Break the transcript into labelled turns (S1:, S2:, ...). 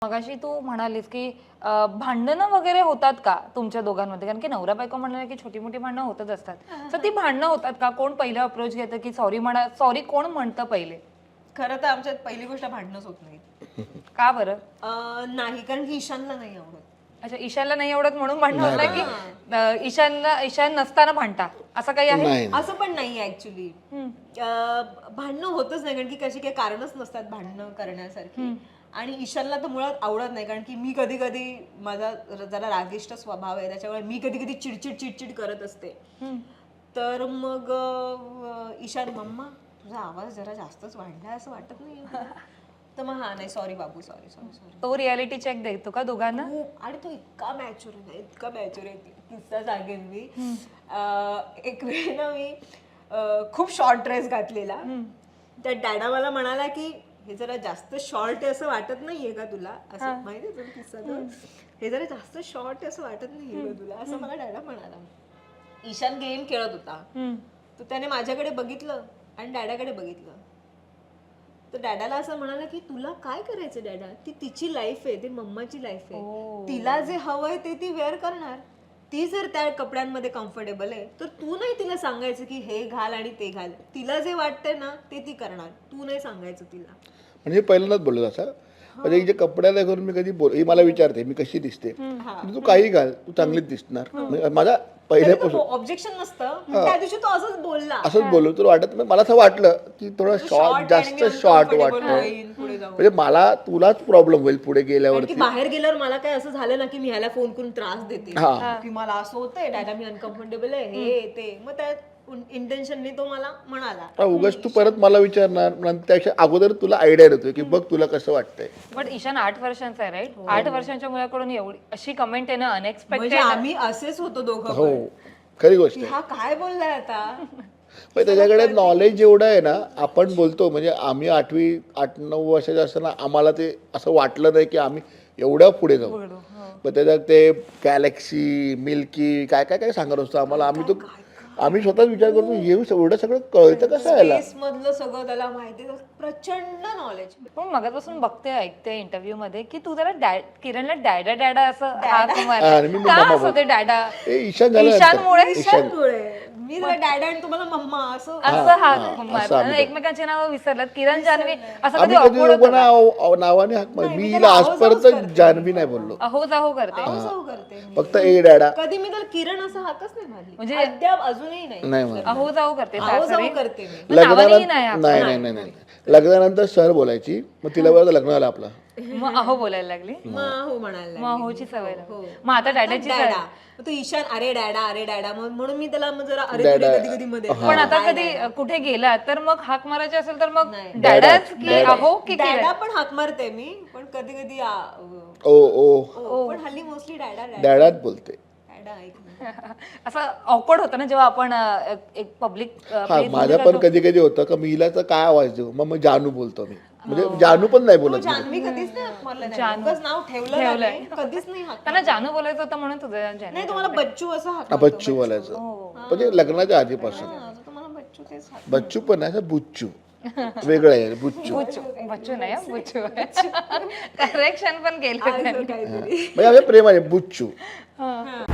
S1: मगाशी तू म्हणालीस की भांडणं वगैरे होतात का तुमच्या दोघांमध्ये? कारण की नवरा बायको म्हणाले की छोटी मोठी भांडणं होतच असतात. तर ती भांडणं होतात का? कोण पहिलं अप्रोच घेतं की सॉरी म्हणा, सॉरी कोण म्हणतं पहिले?
S2: खरं तर आमच्यात पहिली गोष्ट भांडणच होत नाही.
S1: का बरं?
S2: नाही, कारण की ईशानला नाही आवडत.
S1: अच्छा, ईशानला नाही आवडत म्हणून भांडणं होत नाही की ईशान नसताना भांडता असं काही आहे?
S3: नाही
S2: असं पण नाही ऍक्च्युली. भांडणं होतच नाही, कारण की कशी काही कारणच नसतात भांडणं करण्यासारखी. आणि ईशानला तर मुळात आवडत नाही, कारण की मी कधी कधी माझा जरा रागिष्ट स्वभाव आहे, त्याच्यामुळे मी कधी कधी चिडचिड करत असते. तर मग ईशान, मम्मा तुझा आवाज जरा जास्तच वाढलाय असं वाटत नाही? तर मग हा नाही, सॉरी बाबू, सॉरी सॉरी सॉरी.
S1: तो रियालिटी चेक देतो का दोघांना?
S2: आणि तो इतका मॅच्युअर आहे, इतका मॅच्युअर आहे. किस्सा सांगेन मी. एक वेळ ना मी खूप शॉर्ट ड्रेस घातलेला. त्या डॅडा मला म्हणाला की हे जरा जास्त शॉर्ट आहे असं वाटत नाहीये का तुला? असं माहितीये तुला किस्सा तो? हे जरा जास्त शॉर्ट आहे असं वाटत नाहीये का तुला? असं मला डॅडा म्हणाला. ईशान गेम खेळत होता, तर त्याने माझ्याकडे बघितलं आणि डॅडाकडे बघितलं. तर डॅडाला असं म्हणाला की तुला काय करायचं डॅडा, ती तिची लाईफ आहे, ती मम्माची लाईफ आहे. तिला जे हवंय ते ती वेअर करणार. ती जर त्या कपड्यांमध्ये कम्फर्टेबल आहे तर तू नाही तिला सांगायचं की हे घाल आणि ते घाल. तिला जे वाटतंय ना ते ती करणार, तू नाही सांगायचं तिला.
S3: म्हणजे पहिल्यांदाच बोललो असं. म्हणजे जे कपड्याला करून मी कधी बोल, ही मला विचारते मी कशी दिसते, तू काही घाल तू चांगलीच दिसणार. म्हणजे माझा पहिल्यापासून
S2: ऑब्जेक्शन नसतं. त्या दिवशी तो असंच बोलला.
S3: असंच बोललो तर वाटत नाही. मला असं वाटलं की थोडं शॉर्ट, जास्त शॉर्ट वाटतं.
S2: पुढे जाऊन
S3: म्हणजे मला तुलाच प्रॉब्लेम होईल पुढे गेल्यावरती.
S2: की बाहेर गेल्यावर मला काय असं झालं ना की मी ह्याला फोन करून त्रास देते की मला असं होतंय डॅडा, मी अनकम्फर्टेबल आहे, हे ते. मग त्या इंटेन्शनने तो मला म्हणाला.
S3: उगाच तू परत मला विचारणार, नंतर त्याच्या अगोदर तुला आयडिया येतोय की बघ तुला कसं वाटतंय.
S1: पण ईशान 8 वर्षांचा आहे, राईट? 8 वर्षांच्या मुलाकडून एवढी अशी कमेंट आहे ना,
S2: म्हणजे
S1: अनएक्सपेक्टेड.
S2: आम्ही असेच होतो दोघं
S3: हो,
S2: पण.
S3: खरी गोष्ट
S2: की
S3: आहे.
S2: हा काय बोललाय आता.
S3: पण त्याच्याकडे नॉलेज एवढं आहे ना. आपण बोलतो म्हणजे आम्ही 8-9 वर्षाचे असताना आम्हाला ते असं वाटलं नाही की आम्ही एवढ्या पुढे जाऊ. पण त्याच्यात ते गॅलेक्सी, मिल्की काय काय काय सांगत असतो आम्हाला. आम्ही स्वतःच विचार करतो एवढं सगळं कळतं कसं यायला.
S2: स्पेस मधलं सगळं त्याला माहिती, प्रचंड नॉलेज.
S1: पण मगापासून बघते, ऐकते इंटरव्ह्यू मध्ये की तू जरा किरणला डॅडा डॅडा असं हाक मार.
S3: आणि मी
S1: का
S3: मम्मा
S1: असं ते डॅडा?
S3: ईशान झालं
S1: ईशानमुळे
S2: मी जरा डॅडा आणि तुम्हाला मम्मा असं
S1: असं हाक मार. एकमेकांची नावं विसरलात. किरण, जान्हवी असं कधी
S3: आम्ही कधी
S1: awkward होतं का?
S3: लोकांना नावाने हाक मार. मी हिला आजपर्यंत जान्हवी नाही बोललो,
S1: अहो जाहो करते.
S2: असं करते मी.
S3: फक्त ए डॅडा.
S2: कधी मी तर किरण असं हाकच नाही मारली,
S1: म्हणजे
S2: अद्याप अजूनही नाही.
S3: नाही मारलं.
S1: अहो जाहो करते.
S2: आहो
S1: सासरी.
S2: जाऊ करते मी.
S1: नावानेही नाही हाक.
S3: नाही लग्नानंतर सर बोलायची. मग तिला बरं लग्न झालं आपलं.
S1: मग अहो बोलायला लागली.
S2: मग हो म्हणायला
S1: मग अहोची सवय लागली.
S2: हो.
S1: मग आता डॅडाची सवय.
S2: डॅडा. मग तो ईशान अरे डॅडा म्हणून मी त्याला मग जरा अरे तुरे कधी कधी मध्ये.
S1: पण आता कधी कुठे गेला तर मग हाक मारायची असेल तर मग डॅडाच की अहो की
S2: डॅडा पण हाक मारते मी, पण कधी कधी
S3: ओ
S2: पण हल्ली मोस्टली डॅडा
S3: डॅडाच बोलते.
S1: असं ऑकवर्ड होतं ना जेव्हा आपण एक पब्लिक.
S3: माझं पण कधी कधी होतं का मी हिला तर काय आवाज देऊ, मग जानू बोलतो मी. म्हणजे जानू पण नाही बोलत.
S2: जान्हवी कधीच नाही हाक मारलं नाही. उगाच नाव ठेवलं नाही, कधीच नाही हाक.
S1: त्यांना जानू बोलायचं होतं म्हणून तुझं जानू.
S2: नाही, तुम्हाला बच्चू असं हाक
S3: बच्चू बोलायचं म्हणजे लग्नाच्या आधीपासून.
S2: तुम्हाला बच्चू तेच हाक.
S3: बच्चू पण नाही, असं बुच्चू वेगळं आहे. बुच्चू
S1: बच्चू नाही हं, बुच्चू. करेक्शन पण केलं.
S2: काहीतरी.
S3: म्हणजे आम्ही प्रेमाने बुच्चू.